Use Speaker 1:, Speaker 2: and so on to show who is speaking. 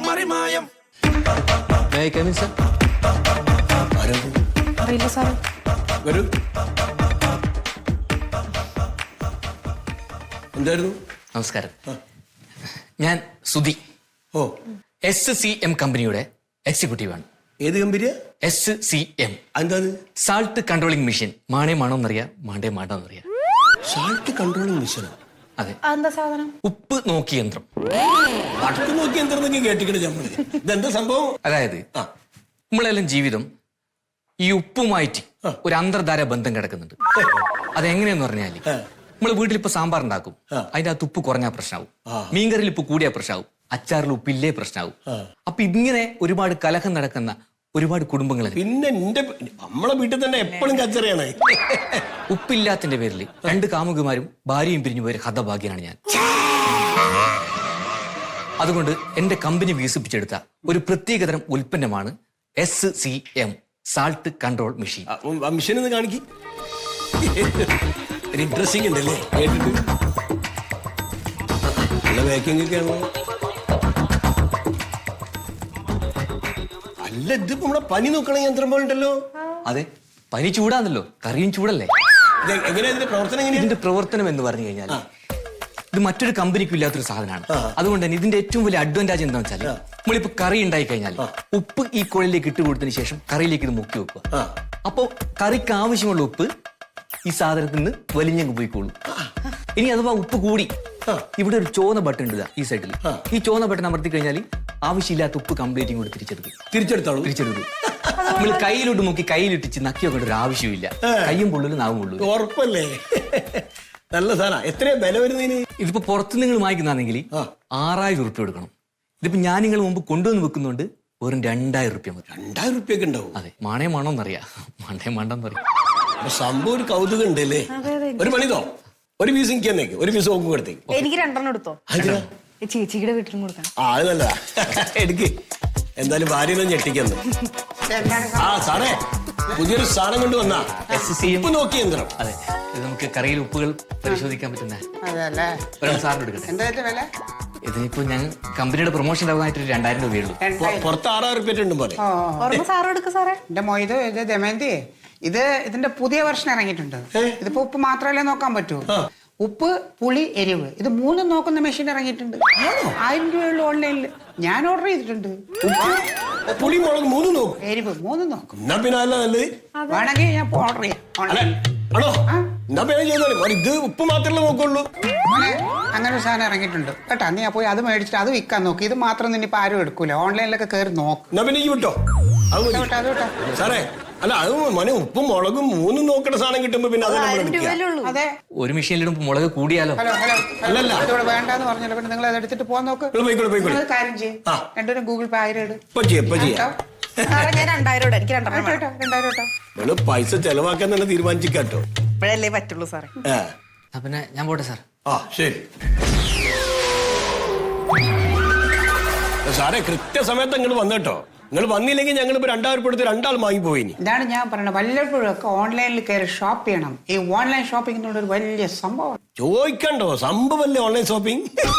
Speaker 1: മറിമായം.
Speaker 2: May I come in, sir?
Speaker 3: അറിയില്ല സാറേ.
Speaker 1: വരൂ. എന്തായിരുന്നു?
Speaker 2: നമസ്കാരം. ഞാൻ സുധി,
Speaker 1: ഓ,
Speaker 2: SCM കമ്പനിയുടെ എക്സിക്യൂട്ടീവാണ്.
Speaker 1: ഏത് കമ്പനിയാ?
Speaker 2: SCM,
Speaker 1: എന്താ?
Speaker 2: Salt controlling machine. മാണേ മാണോന്നറിയാം, മാണ്ടേ മാണ്ടോന്നറിയാം.
Speaker 1: സാൾട്ട് കൺട്രോളിംഗ് മെഷീനോ?
Speaker 2: അതെ,
Speaker 3: എന്താ സാധനം?
Speaker 2: ഉപ്പ് നോക്കി യന്ത്രം.
Speaker 1: വടക്ക് നോക്കി എന്തെങ്കിലും കേട്ടിക്കണ നമ്മള്. ഇതെന്താ സംഭവം?
Speaker 2: അതായത് നമ്മളെല്ലാം ജീവിതം ഈ ഉപ്പുമായിട്ട് ഒരു അന്തർധാര ബന്ധം കിടക്കുന്നുണ്ട്. അതെങ്ങനെയെന്ന് പറഞ്ഞാല് നമ്മള് വീട്ടിലിപ്പോ സാമ്പാർ ഉണ്ടാക്കും, അതിന്റെ അകത്ത് ഉപ്പ് കുറഞ്ഞാൽ പ്രശ്നമാവും, മീൻകറിയിൽ ഉപ്പ് കൂടിയാൽ പ്രശ്നമാവും, അച്ചാറിൽ ഉപ്പില്ലേ പ്രശ്നമാവും. അപ്പൊ ഇങ്ങനെ ഒരുപാട് കലഹം നടക്കുന്ന ഒരുപാട് കുടുംബങ്ങൾ.
Speaker 1: പിന്നെ നമ്മളെ വീട്ടിൽ തന്നെ എപ്പോഴും കച്ചറയാണ്.
Speaker 2: ഉപ്പില്ലാത്തിന്റെ പേരിൽ 2 കാമുകിമാരും ഭാര്യയും പിരിഞ്ഞു പോയ ഹതഭാഗ്യനാണ് ഞാൻ. അതുകൊണ്ട് എന്റെ കമ്പനി വികസിപ്പിച്ചെടുത്ത ഒരു പ്രത്യേകതരം ഉൽപ്പന്നമാണ് SCM, salt control machine.
Speaker 1: Machine ഒന്ന് കാണിക്ക്. ഇൻട്രസ്റ്റിംഗ് ഉണ്ടല്ലേ കേട്ടിട്ട്? നല്ല പാക്കിംഗ് ഒക്കെയാണോ? അല്ല, ഇതിപ്പോ നമ്മുടെ പനി നോക്കണ യന്ത്രം പോലെ ഉണ്ടല്ലോ.
Speaker 2: അതെ, പനി ചൂടാന്നല്ലോ, കറിയും ചൂടല്ലേ.
Speaker 1: എങ്ങനെയാ ഇതിന്റെ പ്രവർത്തനം? എങ്ങനെയാ
Speaker 2: ഇതിന്റെ പ്രവർത്തനം എന്ന് പറഞ്ഞു കഴിഞ്ഞാൽ ഇത് മറ്റൊരു കമ്പനിക്കും ഇല്ലാത്തൊരു സാധനമാണ്. അതുകൊണ്ട് തന്നെ ഇതിന്റെ ഏറ്റവും വലിയ അഡ്വാൻറ്റേജ് എന്താണെന്ന് വെച്ചാൽ നമ്മളിപ്പോ കറി ഉണ്ടായി കഴിഞ്ഞാൽ ഉപ്പ് ഈ കുഴലിലേക്ക് ഇട്ട് കൊടുത്തതിന് ശേഷം കറിയിലേക്ക് ഇത് മുക്കി വെക്കുക. അപ്പൊ കറിക്ക് ആവശ്യമുള്ള ഉപ്പ് ഈ സാധനത്തിൽ നിന്ന് വലിഞ്ഞങ്ങ് പോയിക്കോളൂ. ഇനി അഥവാ ഉപ്പ് കൂടി ഇവിടെ ഒരു ചോന്ന ബട്ടൺ ഉണ്ട് ഈ സൈഡിൽ. ഈ ചോന്ന ബട്ടൺ അമർത്തി കഴിഞ്ഞാൽ ആവശ്യമില്ലാത്ത ഉപ്പ് കംപ്ലീറ്റ് കൂടി തിരിച്ചെടുത്തു. നമ്മൾ കയ്യിലോട്ട് നോക്കി കയ്യിലിട്ടിച്ച് നക്കിയൊക്കെ ഒരു ആവശ്യമില്ല. കയ്യും പൊള്ളലും നാവും പൊള്ളു.
Speaker 1: ഉറപ്പല്ലേ? നല്ല സാധനം. എത്രയാ വില വരുന്നതിന്?
Speaker 2: ഇതിപ്പോ പുറത്ത് നിങ്ങൾ വാങ്ങിക്കുന്നാണെങ്കിൽ 6000 ഉറുപ്പ്യ കൊടുക്കണം. ഇതിപ്പോ ഞാൻ നിങ്ങൾ മുമ്പ് കൊണ്ടുവന്ന് വെക്കുന്നുണ്ട് വെറും 2000 ഉറുപ്പ്യ മതി.
Speaker 1: 2000 ഉറുപ്പ്യൊക്കെ ഉണ്ടാവും?
Speaker 2: അതെ, മാണേ മാണോന്നറിയാം, മാണ്ടേ മാണ്ടോന്നറിയാം.
Speaker 1: സംഭവം ഒരു കൗതുകം ഉണ്ടല്ലേ. ഒരു പണിതോ, ഒരു പീസ് എനിക്ക് തന്നേക്ക്, ഒരു പീസ് നോക്കും കൊടുത്തേക്ക്.
Speaker 3: എനിക്ക് 2 എടുത്തോ. ചേച്ചിയുടെ വീട്ടിലും കൊടുക്കണം.
Speaker 1: അത് നല്ലതാ, എടുക്ക്. എന്തായാലും ഭാര്യയൊന്നും ഞെട്ടിക്കുന്നു. സാറേ, പുതിയൊരു സാധനം കൊണ്ട് വന്നാ ഉപ്പ് നോക്കി യന്ത്രം.
Speaker 2: അതെ, ഇത് നമുക്ക് കറിയിൽ ഉപ്പുകൾ പരിശോധിക്കാൻ പറ്റുന്ന ഒരാൾ സാറിന് എടുക്കട്ടെ. ഇതിനിപ്പോ ഞാൻ കമ്പനിയുടെ പ്രൊമോഷൻ ആയിട്ട് 2000 രൂപയുള്ളൂ.
Speaker 1: പുറത്ത് 6000 ഉറുപ്പ്യ ഉണ്ട് പോലെ.
Speaker 3: സാറ് എടുക്ക സാറേ.
Speaker 4: എന്റെ മൊയ്ത് ഇത് ദമയന്തി, ഇതിന്റെ പുതിയ വെർഷൻ ഇറങ്ങിയിട്ടുണ്ട്. ഇതിപ്പോ ഉപ്പ് മാത്രമല്ലേ നോക്കാൻ പറ്റൂ. ഉപ്പ്, പുളി, എരിവ്, ഇത് 3 നോക്കുന്ന മെഷീൻ ഇറങ്ങിയിട്ടുണ്ട്. 1000 രൂപയുള്ള ഓൺലൈനിൽ ഞാൻ ഓർഡർ ചെയ്തിട്ടുണ്ട്.
Speaker 1: പുളി, മുളക് 3 നോക്കും,
Speaker 4: എരിവ് 3 നോക്കും.
Speaker 1: എന്നാ പിന്നെ അല്ല നല്ലത്.
Speaker 4: വേണമെങ്കിൽ ഞാൻ ഓർഡർ ചെയ്യാം.
Speaker 1: ആണോ? എന്നാ പിന്നെ ചെയ്തോളി. ഇത് ഉപ്പ് മാത്രമല്ലേ നോക്കുള്ളൂ.
Speaker 4: അങ്ങനെ ഒരു സാധനം ഇറങ്ങിയിട്ടുണ്ട് കേട്ടാ. നീ പോയി അത് മേടിച്ചിട്ട് അത് വിൽക്കാൻ നോക്കി. ഇത് മാത്രം നിന്നിപ്പോ ആരും എടുക്കൂല. ഓൺലൈനിലൊക്കെ കയറി നോക്കും.
Speaker 1: എന്നാ പിന്നെ ഈ വിട്ടോ. സാറേ, അല്ല അത് മോനെ ഉപ്പും മുളകും 3 നോക്കണ സാധനം കിട്ടുമ്പോ പിന്നെ
Speaker 4: അതെ,
Speaker 2: ഒരു മെഷീനിലിടുമ്പോ മുളക് കൂടിയാലോ.
Speaker 1: അല്ലല്ല,
Speaker 4: ഇതോടെ വേണ്ടാന്ന് പറഞ്ഞല്ലോ. പിന്നെ നിങ്ങൾ അത് എടുത്തിട്ട് പോകാൻ നോക്ക്. കാര്യം ചെയ്യും, 2 ഗൂഗിൾ പേ 1000 ഇടും.
Speaker 3: ഞാൻ 2000 എനിക്ക് 2000
Speaker 1: പൈസ ചെലവാക്കാൻ തന്നെ തീരുമാനിച്ചിട്ടോ.
Speaker 3: ഇപ്പോഴല്ലേ പറ്റുള്ളൂ സാറേ.
Speaker 2: പിന്നെ ഞാൻ പോട്ടെ സാർ.
Speaker 1: ശരി സാറേ, കൃത്യസമയത്ത് നിങ്ങൾ വന്നേട്ടോ. നിങ്ങൾ വന്നില്ലെങ്കിൽ ഞങ്ങൾ ഇപ്പൊ 2000 കൊടുത്ത് 2 ആൾ വാങ്ങിപ്പോയി.
Speaker 4: ഇതാണ് ഞാൻ പറയുന്നത്, വല്ലപ്പോഴും ഒക്കെ ഓൺലൈനിൽ കയറി ഷോപ്പ് ചെയ്യണം. ഈ ഓൺലൈൻ ഷോപ്പിംഗ് ഒരു വലിയ സംഭവം.
Speaker 1: ചോദിക്കണ്ടോ, സംഭവമല്ലേ ഓൺലൈൻ ഷോപ്പിംഗ്.